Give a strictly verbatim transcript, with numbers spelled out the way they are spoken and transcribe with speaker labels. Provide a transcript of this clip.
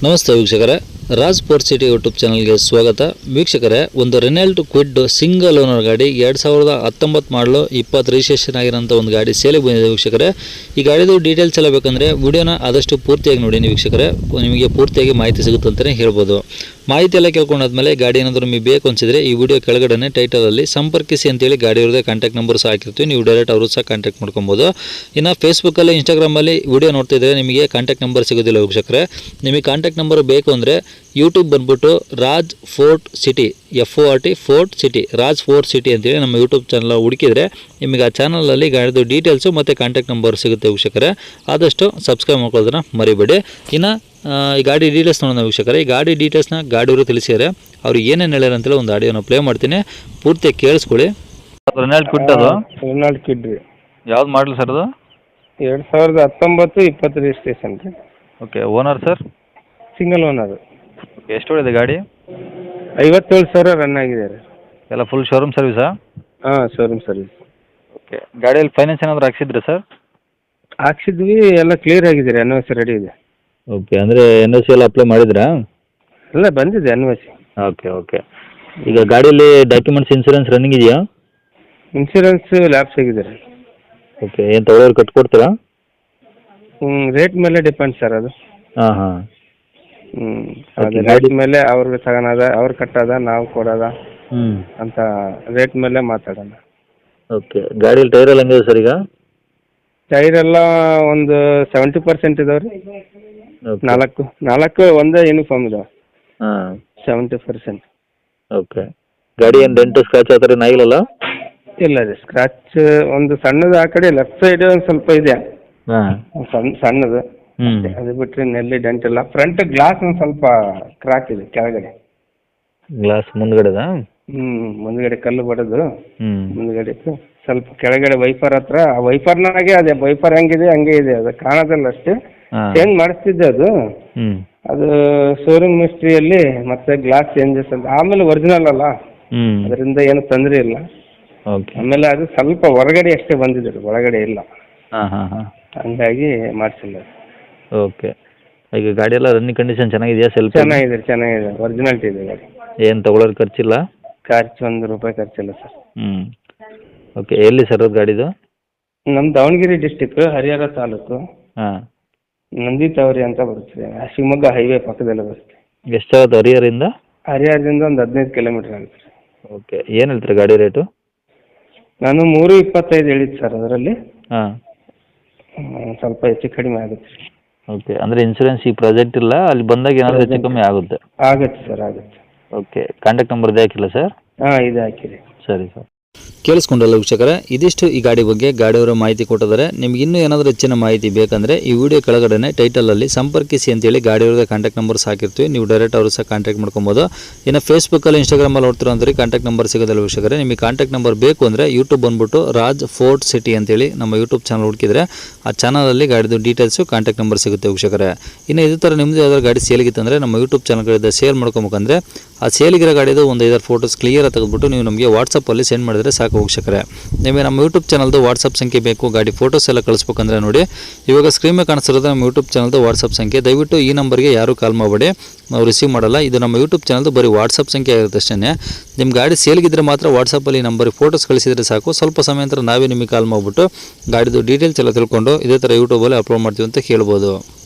Speaker 1: ನಮಸ್ತೆ ವೀಕ್ಷಕರೇ, Raj fort city YouTube ಚಾನಲ್ಗೆ ಸ್ವಾಗತ. ವೀಕ್ಷಕರೇ, ಒಂದು ರೆನಾಲ್ಟ್ ಕ್ವಿಡ್ ಸಿಂಗಲ್ ಓನರ್ ಗಾಡಿ ಎರಡು ಸಾವಿರದ ಹತ್ತೊಂಬತ್ತು ಮಾಡಲು ಇಪ್ಪತ್ತು ರಿಜಿಸ್ಟ್ರೇಷನ್ ಆಗಿರೋಂಥ ಒಂದು ಗಾಡಿ ಸೇಲಿಗೆ ಬಂದಿದೆ ವೀಕ್ಷಕರೇ. ಈ ಗಾಡಿದು ಡೀಟೇಲ್ಸ್ ಎಲ್ಲ ಬೇಕಂದರೆ ವಿಡಿಯೋನ ಆದಷ್ಟು ಪೂರ್ತಿಯಾಗಿ ನೋಡಿ ವೀಕ್ಷಕರೇ, ನಿಮಗೆ ಪೂರ್ತಿಯಾಗಿ ಮಾಹಿತಿ ಸಿಗುತ್ತೆ ಅಂತಲೇ ಹೇಳ್ಬೋದು. ಮಾಹಿತಿ ಎಲ್ಲ ಕೇಳ್ಕೊಂಡಾದ್ಮೇಲೆ ಗಾಡಿ ಏನಾದರೂ ನಿಮಗೆ ಬೇಕು ಅನಿಸಿದರೆ ಈ ವಿಡಿಯೋ ಕೆಳಗಡೆ ಟೈಟಲಲ್ಲಿ ಸಂಪರ್ಕಿಸಿ ಅಂತೇಳಿ ಗಾಡಿ ಅವ್ರದ್ದೇ ಕಾಂಟ್ಯಾಕ್ಟ್ ನಂಬರ್ ಸಹ ಹಾಕಿರ್ತೀವಿ. ನೀವು ಡೈರೆಕ್ಟ್ ಅವರು ಸಹ ಕಾಂಟ್ಯಾಕ್ಟ್ ಮಾಡ್ಕೊಬೋದು. ಇನ್ನು ಫೇಸ್ಬುಕ್ಕಲ್ಲಿ ಇನ್ಸ್ಟಾಗ್ರಾಮಲ್ಲಿ ವಿಡಿಯೋ ನೋಡ್ತಿದ್ರೆ ನಿಮಗೆ ಕಾಂಟ್ಯಾಕ್ಟ್ ನಂಬರ್ ಸಿಗೋದಿಲ್ಲ ವೀಕ್ಷಕರೇ. ನಿಮಗೆ ಕಾಂಟ್ಯಾಕ್ಟ್ ನಂಬರ್ ಬೇಕು ಅಂದರೆ ಯೂಟ್ಯೂಬ್ ಬಂದುಬಿಟ್ಟು Raj fort city F O R T fort city Raj fort city ಅಂತೇಳಿ ನಮ್ಮ ಯೂಟ್ಯೂಬ್ ಚಾನಲ್ ಹುಡುಕಿದರೆ ನಿಮಗೆ ಆ ಚಾನಲಲ್ಲಿ ಗಾಡಿದು ಡೀಟೇಲ್ಸು ಮತ್ತು ಕಾಂಟ್ಯಾಕ್ಟ್ ನಂಬರ್ ಸಿಗುತ್ತೆ ವೀಕ್ಷಕರೇ. ಆದಷ್ಟು ಸಬ್ಸ್ಕ್ರೈಬ್ ಮಾಡ್ಕೊಳ್ಳೋದನ್ನ ಮರಿಬೇಡಿ. ಇನ್ನು ಈ ಗಾಡಿ ಡೀಟೇಲ್ಸ್ ನೋಡೋಣ ವೀಕ್ಷಕರೇ. ಈ ಗಾಡಿ ಡೀಟೇಲ್ಸ್ನ ಗಾಡಿಯವರು ತಿಳಿಸಿದ್ದಾರೆ. ಅವ್ರು ಏನೇನು ಹೇಳ್ಯಾರ ಅಂತೇಳಿ ಒಂದು ಆಡಿಯೋನ ಪ್ಲೇ ಮಾಡ್ತೀನಿ, ಪೂರ್ತಿ ಕೇಳಿಸ್ಕೊಳ್ಳಿ. ರೆನಾಲ್ಟ್ ಕ್ವಿಡ್ ಅದು
Speaker 2: ರೆನಾಲ್ಟ್ ಕ್ವಿಡ್ ರೀ.
Speaker 1: ಯಾವ್ದು ಮಾಡಲಿ ಸರ್ ಅದು?
Speaker 2: ಎರಡು ಸಾವಿರದ ಹತ್ತೊಂಬತ್ತು ಇಪ್ಪತ್ತು ರಿಜಿಸ್ಟ್ರೇಷನ್ ರೀ.
Speaker 1: Okay. Owner sir?
Speaker 2: Single owner.
Speaker 1: Okay. ಎಷ್ಟು ಹೊಡಿದೆ ಗಾಡಿ?
Speaker 2: ಐವತ್ತೇಳು ಸಾವಿರ ರನ್ ಆಗಿದೆ ರೀ.
Speaker 1: ಎಲ್ಲ ಫುಲ್ ಶೋರೂಮ್ ಸರ್ವಿಸಾ?
Speaker 2: ಹಾಂ, ಶೋರೂಮ್ ಸರ್ವಿಸ್.
Speaker 1: ಓಕೆ. ಗಾಡಿಯಲ್ಲಿ ಫೈನಾನ್ಸ್ ಏನಾದರೂ ಹಾಕ್ಸಿದ್ರಿ ಸರ್?
Speaker 2: ಹಾಕ್ಸಿದ್ವಿ, ಎಲ್ಲ ಕ್ಲಿಯರ್ ಆಗಿದೆ ರೀ. ಎನ್ ಒ ಸಿ ರೆಡಿ ಇದೆ.
Speaker 1: ಓಕೆ. ಅಂದರೆ ಎನ್ ಒ ಸಿ ಎಲ್ಲ ಅಪ್ಲೈ ಮಾಡಿದ್ರಾ?
Speaker 2: ಎಲ್ಲ ಬಂದಿದೆ N O C.
Speaker 1: Okay okay. ಈಗ ಗಾಡಿಯಲ್ಲಿ ಡಾಕ್ಯುಮೆಂಟ್ಸ್ ಇನ್ಸೂರೆನ್ಸ್ ರನ್ನಿಂಗ್ ಇದೆಯಾ?
Speaker 2: ಇನ್ಶೂರೆನ್ಸ್ ಲ್ಯಾಪ್ಸ್ ಆಗಿದೆ ರೀ.
Speaker 1: ಓಕೆ. ಏನು ತೊಗೊಳೋರು ಕಟ್ಕೊಡ್ತೀರಾ?
Speaker 2: ಹ್ಞೂ, ರೇಟ್ ಮೇಲೆ ಡಿಪೆಂಡ್ ಸರ್ ಅದು.
Speaker 1: ಹಾಂ ಹಾಂ.
Speaker 2: ಹ್ಞೂ, ಅದು ರೇಟ್ ಮೇಲೆ ಅವ್ರಿಗೆ ತಗೊಳದ, ಅವ್ರು ಕಟ್ಟೋದ, ನಾವು ಕೊಡೋದ
Speaker 1: ಹ್ಞೂ
Speaker 2: ಅಂತ ರೇಟ್ ಮೇಲೆ ಮಾತಾಡೋಣ.
Speaker 1: ಓಕೆ. ಗಾಡೀಲಿ ಟೈರ್ ಎಲ್ಲ ಹೆಂಗಿದೆ ಸರ್ ಈಗ?
Speaker 2: ಟೈರ್ ಎಲ್ಲ ಒಂದು ಸೆವೆಂಟಿ ಪರ್ಸೆಂಟ್ ಇದಾವೆ ರೀ.
Speaker 1: ಓಕೆ.
Speaker 2: ನಾಲ್ಕು ನಾಲ್ಕು ಒಂದೇ ಯೂನಿಫಾರ್ಮ್ ಇದಾವೆ.
Speaker 1: ಹಾಂ.
Speaker 2: Seventy percent.
Speaker 1: ಓಕೆ. ಗಾಡಿ ಏನು ಡೆಂಟು ಸ್ಕ್ರಾಚ್ ಆ ಥರ ಏನಾಗಿಲ್ಲಲ್ಲ?
Speaker 2: ಇಲ್ಲ ರೀ, ಸ್ಕ್ರಾಚ್ ಒಂದು ಸಣ್ಣದು ಆ ಕಡೆ ಲೆಫ್ಟ್ ಸೈಡ್ ಒಂದು ಸ್ವಲ್ಪ ಇದೆ.
Speaker 1: ಹಾಂ.
Speaker 2: ಸಣ್ಣ ಸಣ್ಣದು.
Speaker 1: ಹ್ಞೂ.
Speaker 2: ಅದು ಬಿಟ್ಟರೆ ನೆಲ್ಲಿ ಡೆಂಟ್ ಇಲ್ಲ. ಫ್ರಂಟ್ ಗ್ಲಾಸ್ ಒಂದು ಸ್ವಲ್ಪ ಕ್ರಾಕ್ ಇದೆ ಕೆಳಗಡೆ.
Speaker 1: ಗ್ಲಾಸ್ ಮುಂದ್ಗಡೆದಾ?
Speaker 2: ಹ್ಞೂ, ಮುಂದ್ಗಡೆ ಕಲ್ಲು ಬಡದು.
Speaker 1: ಹ್ಞೂ.
Speaker 2: ಮುಂದ್ಗಡೆ ಸ್ವಲ್ಪ ಕೆಳಗಡೆ ವೈಫರ್ ಹತ್ರ, ಆ ವೈಫರ್ನಾಗೆ ಅದೇ ವೈಫರ್ ಹೆಂಗಿದೆ ಹಂಗೆ ಇದೆ, ಅದು ಕಾಣೋದಿಲ್ಲ ಅಷ್ಟೇ. ಚೇಂಜ್ ಮಾಡಿಸ್ತಿದ್ದೆ ಅದು.
Speaker 1: ಹ್ಞೂ. ಅದು
Speaker 2: ಶೋರೂಮ್ ಮಿಸ್ಟ್ರಿಯಲ್ಲಿ ಮತ್ತೆ ಗ್ಲಾಸ್ ಚೇಂಜಸ್ ಅಂತ. ಆಮೇಲೆ ಒರಿಜಿನಲ್ ಅಲ್ಲ,
Speaker 1: ಹ್ಞೂ.
Speaker 2: ಅದರಿಂದ ಏನು ತೊಂದರೆ ಇಲ್ಲ.
Speaker 1: ಓಕೆ.
Speaker 2: ಆಮೇಲೆ ಅದು ಸ್ವಲ್ಪ ಹೊರಗಡೆ ಅಷ್ಟೇ ಬಂದಿದೆ, ಒಳಗಡೆ ಇಲ್ಲ.
Speaker 1: ಹಾಂ ಹಾಂ ಹಾಂ.
Speaker 2: ಹಂಗಾಗಿ ಮಾಡಿಸಿಲ್ಲ.
Speaker 1: ಓಕೆ. ಈಗ ಗಾಡಿ ಎಲ್ಲ ರನ್ನಿಂಗ್ ಕಂಡೀಷನ್ ಚೆನ್ನಾಗಿದೆಯಾ? ಸೆಲ್ಫ್
Speaker 2: ಚೆನ್ನಾಗಿದೆ ಚೆನ್ನಾಗಿದೆ, ಒರಿಜಿನಾಲಿಟಿ ಇದೆ ಗಾಡಿ.
Speaker 1: ಏನು ತೊಗೊಳೋರು ಖರ್ಚಿಲ್ಲ?
Speaker 2: ಖರ್ಚು ಒಂದು ರೂಪಾಯಿ ಖರ್ಚಿಲ್ಲ ಸರ್.
Speaker 1: ಹ್ಞೂ. ಓಕೆ. ಎಲ್ಲಿ ಸರ್ ಅದು ಗಾಡಿದು?
Speaker 2: ನಮ್ಮ ದಾವಣಗೆರೆ ಡಿಸ್ಟಿಕ್, ಹರಿಹರ ತಾಲೂಕು,
Speaker 1: ಹಾಂ,
Speaker 2: ನಂದಿತಾವರಿ ಅಂತ ಬರುತ್ತೆ. ಶಿವಮೊಗ್ಗ ಹೈವೇ ಪಕ್ಕದಲ್ಲೇ ಬರುತ್ತೆ.
Speaker 1: ಎಷ್ಟಾಗುತ್ತೆ ಹರಿಹರದಿಂದ?
Speaker 2: ಹರಿಹರದಿಂದ ಒಂದು ಹದಿನೈದು ಕಿಲೋಮೀಟ್ರ್ ಆಗುತ್ತೆ.
Speaker 1: ಓಕೆ. ಏನು ಹೇಳ್ತೀರಿ ಗಾಡಿ ರೇಟು?
Speaker 2: ನಾನು ಮೂರು ಇಪ್ಪತ್ತೈದು ಹೇಳಿದ್ದು ಸರ್. ಅದರಲ್ಲಿ
Speaker 1: ಹಾಂ,
Speaker 2: ಸ್ವಲ್ಪ ಹೆಚ್ಚು ಕಡಿಮೆ ಆಗುತ್ತೆ.
Speaker 1: ಓಕೆ. ಅಂದರೆ ಇನ್ಸೂರೆನ್ಸ್ ಈ ಪ್ರಾಜೆಕ್ಟ್ ಇಲ್ಲ, ಅಲ್ಲಿ ಬಂದಾಗ ಏನಾದರೂ ಹೆಚ್ಚು ಕಮ್ಮಿ ಆಗುತ್ತೆ?
Speaker 2: ಆಗುತ್ತೆ ಸರ್, ಆಗುತ್ತೆ.
Speaker 1: ಓಕೆ. ಕಾಂಟ್ಯಾಕ್ಟ್ ನಂಬರ್ ಇದೆ ಹಾಕಿಲ್ಲ ಸರ್?
Speaker 2: ಹಾಂ, ಇದೆ ಹಾಕಿರಿ.
Speaker 1: ಸರಿ ಸರ್. ಕೇಳಿಸ್ಕೊಂಡಲ್ಲ ವೀಕ್ಷಕರೇ, ಇದಿಷ್ಟು ಈ ಗಾಡಿ ಬಗ್ಗೆ ಗಾಡಿಯವರ ಮಾಹಿತಿ ಕೊಟ್ಟಿದ್ದಾರೆ. ನಿಮ್ಗೆ ಇನ್ನೂ ಏನಾದರೂ ಹೆಚ್ಚಿನ ಮಾಹಿತಿ ಬೇಕಂದರೆ ಈ ವಿಡಿಯೋ ಕೆಳಗಡೆ ಟೈಟಲಲ್ಲಿ ಸಂಪರ್ಕಿಸಿ ಅಂತೇಳಿ ಗಾಡಿಯವ್ರದ್ದು ಕಾಂಟ್ಯಾಕ್ಟ್ ನಂಬರ್ಸ್ ಹಾಕಿರ್ತೀವಿ. ನೀವು ಡೈರೆಕ್ಟ್ ಅವರು ಸಹ ಕಾಂಟ್ಯಾಕ್ಟ್ ಮಾಡ್ಕೊಬೋದು. ಇನ್ನು ಫೇಸ್ಬುಕ್ಕಲ್ಲಿ ಇನ್ಸ್ಟಾಗ್ರಾಮಲ್ಲಿ ನೋಡ್ತಿರೋ ಅಂದ್ರೆ ಕಾಂಟ್ಯಾಕ್ಟ್ ನಂಬರ್ ಸಿಗೋದಿಲ್ಲ ವೀಕ್ಷಕರೇ. ನಿಮಗೆ ಕಾಂಟ್ಯಾಕ್ಟ್ ನಂಬರ್ ಬೇಕು ಅಂದರೆ ಯೂಟ್ಯೂಬ್ ಬಂದುಬಿಟ್ಟು ರಾಜ್ ಫೋರ್ಟ್ ಸಿಟಿ ಅಂತೇಳಿ ನಮ್ಮ ಯೂಟ್ಯೂಬ್ ಚಾನಲ್ ಹುಡುಕಿದ್ರೆ ಆ ಚಾನಲಲ್ಲಿ ಗಾಡಿದು ಡೀಟೇಲ್ಸು ಕಾಂಟ್ಯಾಕ್ಟ್ ನಂಬರ್ ಸಿಗುತ್ತೆ ವೀಕ್ಷಕರೇ. ಇನ್ನು ಇದೇ ಥರ ನಿಮ್ಮದು ಯಾವ್ದಾದ್ರು ಗಾಡಿ ಸೇಲಿಗಿತ್ತಂದರೆ ನಮ್ಮ ಯೂಟ್ಯೂಬ್ ಚಾನಲ್ಗಳಿಂದ ಸೇಲ್ ಮಾಡ್ಕೊಬೇಕಂದ್ರೆ ಆ ಸೇಲಿಗಿರೋ ಗಾಡಿದು ಒಂದು ಐದಾರು ಫೋಟೋಸ್ ಕ್ಲಿಯರ್ ತೆಗೆದುಬಿಟ್ಟು ನೀವು ನಮಗೆ ವಾಟ್ಸಪ್ಪಲ್ಲಿ ಸೆಂಡ್ ಮಾಡಿದರೆ ಸಾಕು ವೀಕ್ಷಕರೇ. ನಿಮಗೆ ನಮ್ಮ ಯೂಟ್ಯೂಬ್ ಚಾನಲ್ದು ವಾಟ್ಸಪ್ ಸಂಖ್ಯೆ ಬೇಕು, ಗಾಡಿ ಫೋಟೋಸ್ ಎಲ್ಲ ಕಳಿಸ್ಬೇಕಂದ್ರೆ ನೋಡಿ ಇವಾಗ ಸ್ಕ್ರೀನ್ ಮೇಲೆ ಕಾಣಿಸ್ತಿರೋದು ನಮ್ಮ ಯೂಟ್ಯೂಬ್ ಚಾನಲ್ದು ವಾಟ್ಸಪ್ ಸಂಖ್ಯೆ. ದಯವಿಟ್ಟು ಈ ನಂಬರ್ಗೆ ಯಾರೂ ಕಾಲ್ ಮಾಡಬೇಡಿ, ನಾವು ರಿಸೀವ್ ಮಾಡಲ್ಲ. ಇದು ನಮ್ಮ ಯೂಟ್ಯೂಬ್ ಚಾನಲ್ದು ಬರೀ ವಾಟ್ಸಪ್ ಸಂಖ್ಯೆ ಆಗಿರುತ್ತೆ ಅಷ್ಟೇ. ನಿಮ್ಮ ಗಾಡಿ ಸೇಲ್ಗಿದ್ರೆ ಮಾತ್ರ ವಾಟ್ಸಪ್ಪಲ್ಲಿ ನಂಬರಿಗೆ ಫೋಟೋಸ್ ಕಳಿಸಿದರೆ ಸಾಕು. ಸ್ವಲ್ಪ ಸಮಯ ನಂತರ ನಾವೇ ನಿಮಗೆ ಕಾಲ್ ಮಾಡಿಬಿಟ್ಟು ಗಾಡಿದು ಡೀಟೇಲ್ಸ್ ಎಲ್ಲ ತಿಳ್ಕೊಂಡು ಇದೇ ಥರ ಯೂಟ್ಯೂಬಲ್ಲಿ ಅಪ್ಲೋಡ್ ಮಾಡ್ತೀವಿ ಅಂತ ಹೇಳ್ಬೋದು.